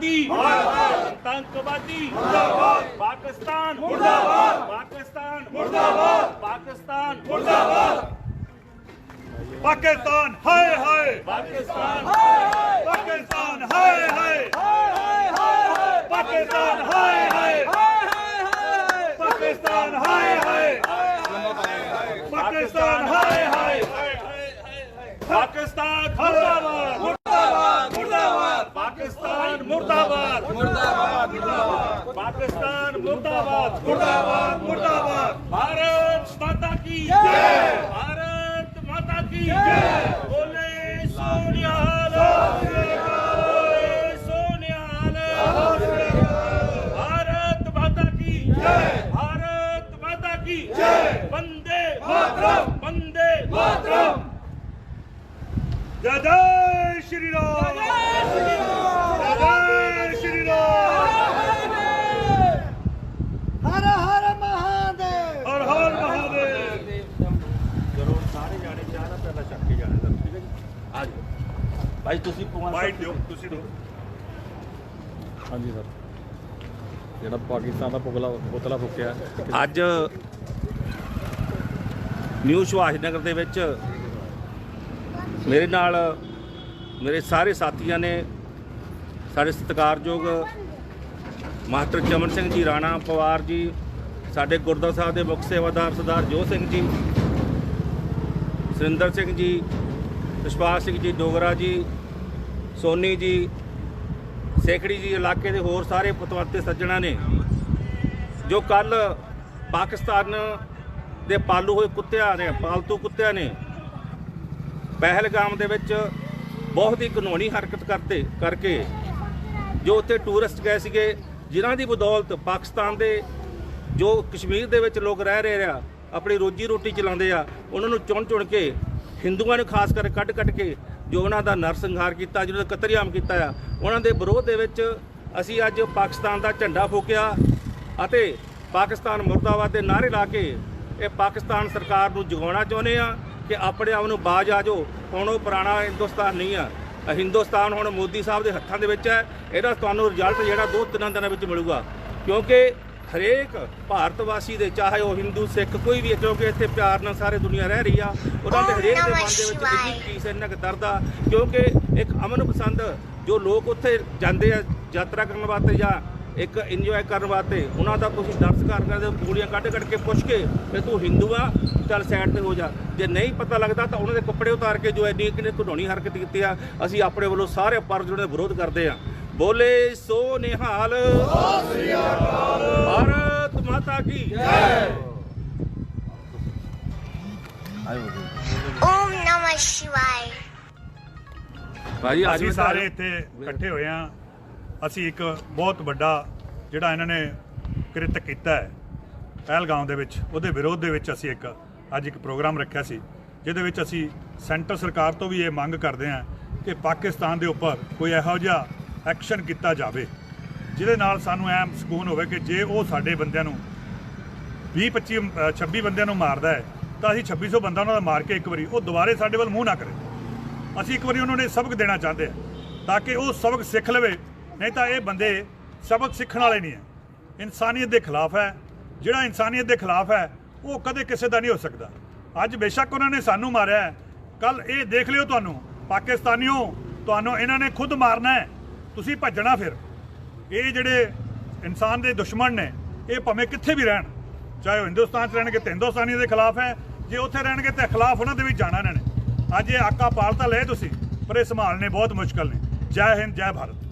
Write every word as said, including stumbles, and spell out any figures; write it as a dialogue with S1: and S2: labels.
S1: आतंकवादी आतंकवादी मुर्दाबाद, पाकिस्तान मुर्दाबाद, पाकिस्तान मुर्दाबाद, पाकिस्तान मुर्दाबाद,
S2: पाकिस्तान हाय हाय,
S1: पाकिस्तान
S2: पाकिस्तान हाय हाय, पाकिस्तान हाय हाय, पाकिस्तान हाय हाय, पाकिस्तान हाय हाय,
S1: पाकिस्तान मुर्दाबाद मुर्दाबाद मुर्दाबाद, पाकिस्तान मुर्दाबाद मुर्दाबाद मुर्दाबाद, पाकिस्तान मुर्दाबाद मुर्दाबाद मुर्दाबाद, भारत माता की जय, भारत माता की जय, बोले सोनिहाल, बोले सोनिहाल, भारत माता की जय, भारत माता की जय, वंदे मातरम, वंदे मातरम।
S2: जय जय श्री राम, जय जय श्री राम,
S3: हर हर महादेव,
S2: हर हर महादेव।
S1: चलो सारे जाने चाह रहा पहला छक के जाने ठीक है जी आ जाओ भाई तुसी
S2: बाइट दियो ਤੁਸੀਂ ਦਿਓ।
S4: ਹਾਂਜੀ ਸਰ, ਜਿਹੜਾ ਪਾਕਿਸਤਾਨ ਦਾ ਪੁਤਲਾ ਪੁਤਲਾ ਫੂਕਿਆ
S1: ਅੱਜ ਨਿਊ ਸੁਭਾਸ਼ ਨਗਰ ਦੇ ਵਿੱਚ ਮੇਰੇ ਨਾਲ ਮੇਰੇ ਸਾਰੇ ਸਾਥੀਆਂ ਨੇ, ਸਾਡੇ ਸਤਿਕਾਰਯੋਗ ਮਾਸਟਰ ਚਮਨ ਸਿੰਘ ਜੀ ਰਾਣਾ ਪਵਾਰ ਜੀ, ਸਾਡੇ ਗੁਰਦੁਆਰਾ ਸਾਹਿਬ ਦੇ ਮੁੱਖ ਸੇਵਾਦਾਰ ਸਰਦਾਰ ਜੋਤ ਸਿੰਘ ਜੀ, ਸੁਰਿੰਦਰ ਸਿੰਘ ਜੀ, ਵਿਸ਼ਵਾਸ ਸਿੰਘ ਜੀ ਡੋਗਰਾ ਜੀ, ਸੋਨੀ ਜੀ, ਸੇਖੜੀ ਜੀ, ਇਲਾਕੇ ਦੇ ਹੋਰ ਸਾਰੇ ਪਤਵੰਤੇ ਸੱਜਣਾ ਨੇ ਜੋ ਕੱਲ ਪਾਕਿਸਤਾਨ ਦੇ ਪਾਲੂ ਹੋਏ ਕੁੱਤਿਆਂ ਨੇ, ਪਾਲਤੂ ਕੁੱਤਿਆਂ ਨੇ ਪਹਿਲਗਾਮ ਦੇ ਵਿੱਚ ਬਹੁਤ ਹੀ ਕਾਨੂੰਨੀ ਹਰਕਤ ਕਰਦੇ ਕਰਕੇ ਜੋ ਉੱਥੇ ਟੂਰਿਸਟ ਗਏ ਸੀਗੇ, ਜਿਨ੍ਹਾਂ ਦੀ ਬਦੌਲਤ ਪਾਕਿਸਤਾਨ ਦੇ ਜੋ ਕਸ਼ਮੀਰ ਦੇ ਵਿੱਚ ਲੋਕ ਰਹਿ ਰਹੇ ਆ, ਆਪਣੀ ਰੋਜੀ ਰੋਟੀ ਚਲਾਉਂਦੇ ਆ, ਉਹਨਾਂ ਨੂੰ ਚੁਣ ਚੁਣ ਕੇ ਹਿੰਦੂਆਂ ਨੂੰ ਖਾਸ ਕਰਕੇ ਕੱਢ ਕੱਢ ਕੇ ਜੋ ਉਹਨਾਂ ਦਾ ਨਰਸੰਹਾਰ ਕੀਤਾ, ਜਿਹਨਾਂ ਦਾ ਕਤਲੇਆਮ ਕੀਤਾ ਆ, ਉਹਨਾਂ ਦੇ ਵਿਰੋਧ ਦੇ ਵਿੱਚ ਅਸੀਂ ਅੱਜ ਪਾਕਿਸਤਾਨ ਦਾ ਝੰਡਾ ਫੂਕਿਆ ਅਤੇ ਪਾਕਿਸਤਾਨ ਮੁਰਦਾਬਾਦ ਦੇ ਨਾਅਰੇ ਲਾ ਕੇ ਇਹ ਪਾਕਿਸਤਾਨ ਸਰਕਾਰ ਨੂੰ ਜਗਾਉਣਾ ਚਾਹੁੰਦੇ ਆ ਕਿ ਆਪਣੇ ਆਪ ਨੂੰ ਬਾਜ ਆ ਜਾਓ। ਹੁਣ ਉਹ ਪੁਰਾਣਾ ਹਿੰਦੁਸਤਾਨ ਨਹੀਂ ਆ, ਹਿੰਦੁਸਤਾਨ ਹੁਣ ਮੋਦੀ ਸਾਹਿਬ ਦੇ ਹੱਥਾਂ ਦੇ ਵਿੱਚ ਹੈ। ਇਹਦਾ ਤੁਹਾਨੂੰ ਰਿਜ਼ਲਟ ਜਿਹੜਾ ਦੋ ਤਿੰਨ ਦਿਨਾਂ ਵਿੱਚ ਮਿਲੂਗਾ, ਕਿਉਂਕਿ ਹਰੇਕ ਭਾਰਤ ਵਾਸੀ ਦੇ, ਚਾਹੇ ਉਹ ਹਿੰਦੂ ਸਿੱਖ ਕੋਈ ਵੀ ਹੈ, ਕਿਉਂਕਿ ਇੱਥੇ ਪਿਆਰ ਨਾਲ ਸਾਰੇ ਦੁਨੀਆ ਰਹਿ ਰਹੀ ਆ, ਉਹਨਾਂ ਦੇ ਹਰੇਕ ਦੇ ਮਨ ਦੇ ਵਿੱਚ ਇੰਨੀ ਚੀਜ਼ ਇੰਨਾ ਕੁ ਦਰਦ ਆ, ਕਿਉਂਕਿ ਇੱਕ ਅਮਨ ਪਸੰਦ ਜੋ ਲੋਕ ਉੱਥੇ ਜਾਂਦੇ ਆ ਯਾਤਰਾ ਕਰਨ ਵਾਸਤੇ ਜਾਂ ਇੱਕ ਇੰਜੋਏ ਕਰਨ ਵਾਸਤੇ, ਉਹਨਾਂ ਦਾ ਤੁਸੀਂ ਦਰਸ ਕਰ ਕਰਦੇ ਗੋਲੀਆਂ ਕੱਢ ਕੱਢ ਕੇ ਪੁੱਛ ਕੇ ਵੀ ਤੂੰ ਹਿੰਦੂ ਆ ਚੱਲ ਸਾਈਡ ਤੇ ਹੋ ਜਾ। ਜੇ ਨਹੀਂ ਪਤਾ ਲੱਗਦਾ ਤਾਂ ਉਹਨਾਂ ਦੇ ਕੱਪੜੇ ਉਤਾਰ ਕੇ ਜੋ ਇੰਨੀ ਕਿਨੇ ਘਿਨੌਣੀ ਹਰਕਤ ਕੀਤੀ ਆ, ਅਸੀਂ ਆਪਣੇ ਵੱਲੋਂ ਸਾਰੇ ਪਰ ਜਿਹੜੇ ਵਿਰੋਧ ਕਰਦੇ ਆ। ਬੋਲੇ ਸੋ ਨਿਹਾਲ, ਭਾਰਤ ਮਾਤਾ ਕੀ ਜੈ।
S5: ओम नमः शिवाय।
S1: ਭਾਜੀ
S2: ਅਸੀਂ ਸਾਰੇ ਇੱਥੇ ਇਕੱਠੇ ਹੋਏ ਆ। ਅਸੀਂ ਇੱਕ ਬਹੁਤ ਵੱਡਾ ਜਿਹੜਾ ਇਹਨਾਂ ਨੇ ਕ੍ਰਿਤ ਕੀਤਾ ਹੈ ਪਹਿਲਗਾਮ ਦੇ ਵਿੱਚ, ਉਹਦੇ ਵਿਰੋਧ ਦੇ ਵਿੱਚ ਅਸੀਂ ਇੱਕ ਅੱਜ ਇੱਕ ਪ੍ਰੋਗਰਾਮ ਰੱਖਿਆ ਸੀ, ਜਿਹਦੇ ਵਿੱਚ ਅਸੀਂ ਸੈਂਟਰ ਸਰਕਾਰ ਤੋਂ ਵੀ ਇਹ ਮੰਗ ਕਰਦੇ ਹਾਂ ਕਿ ਪਾਕਿਸਤਾਨ ਦੇ ਉੱਪਰ ਕੋਈ ਇਹੋ ਜਿਹਾ ਐਕਸ਼ਨ ਕੀਤਾ ਜਾਵੇ ਜਿਹਦੇ ਨਾਲ ਸਾਨੂੰ ਐਂ ਸਕੂਨ ਹੋਵੇ ਕਿ ਜੇ ਉਹ ਸਾਡੇ ਬੰਦਿਆਂ ਨੂੰ ਵੀਹ ਪੱਚੀ ਛੱਬੀ ਬੰਦਿਆਂ ਨੂੰ ਮਾਰਦਾ ਹੈ ਤਾਂ ਅਸੀਂ ਛੱਬੀ ਸੌ ਬੰਦਾ ਉਹਨਾਂ ਦਾ ਮਾਰ ਕੇ ਇੱਕ ਵਾਰੀ ਉਹ ਦੁਬਾਰੇ ਸਾਡੇ ਵੱਲ ਮੂੰਹ ਨਾ ਕਰੇ। ਅਸੀਂ ਇੱਕ ਵਾਰੀ ਉਹਨਾਂ ਨੂੰ ਸਬਕ ਦੇਣਾ ਚਾਹੁੰਦੇ ਹਾਂ ਤਾਂ ਕਿ ਉਹ ਸਬਕ ਸਿੱਖ ਲਵੇ, ਨਹੀਂ ਤਾਂ ਇਹ ਬੰਦੇ ਸਬਕ ਸਿੱਖਣ ਵਾਲੇ ਨਹੀਂ ਹੈ, ਇਨਸਾਨੀਅਤ ਦੇ ਖਿਲਾਫ ਹੈ। ਜਿਹੜਾ ਇਨਸਾਨੀਅਤ ਦੇ ਖਿਲਾਫ ਹੈ ਉਹ ਕਦੇ ਕਿਸੇ ਦਾ ਨਹੀਂ ਹੋ ਸਕਦਾ। ਅੱਜ ਬੇਸ਼ੱਕ ਉਹਨਾਂ ਨੇ ਸਾਨੂੰ ਮਾਰਿਆ ਹੈ, ਕੱਲ ਇਹ ਦੇਖ ਲਿਓ ਤੁਹਾਨੂੰ ਪਾਕਿਸਤਾਨੀਓ, ਤੁਹਾਨੂੰ ਇਹਨਾਂ ਨੇ ਖੁਦ ਮਾਰਨਾ ਹੈ, ਤੁਸੀਂ ਭੱਜਣਾ। ਫਿਰ ਇਹ ਜਿਹੜੇ ਇਨਸਾਨ ਦੇ ਦੁਸ਼ਮਣ ਨੇ ਇਹ ਭਾਵੇਂ ਕਿੱਥੇ ਵੀ ਰਹਿਣ, ਚਾਹੇ ਉਹ ਹਿੰਦੁਸਤਾਨ 'ਚ ਰਹਿਣਗੇ ਤਾਂ ਹਿੰਦੁਸਤਾਨੀਆਂ ਦੇ ਖਿਲਾਫ ਹੈ, ਜੇ ਉੱਥੇ ਰਹਿਣਗੇ ਤਾਂ ਖਿਲਾਫ ਉਹਨਾਂ ਦੇ ਵੀ ਜਾਣਾ ਇਹਨਾਂ ਨੇ। ਅੱਜ ਇਹ ਆਕਾ ਪਾਲ ਤਾਂ ਲਏ ਤੁਸੀਂ, ਪਰ ਇਹ ਸੰਭਾਲਣੇ ਬਹੁਤ ਮੁਸ਼ਕਲ ਨੇ। ਜੈ ਹਿੰਦ, ਜੈ ਭਾਰਤ।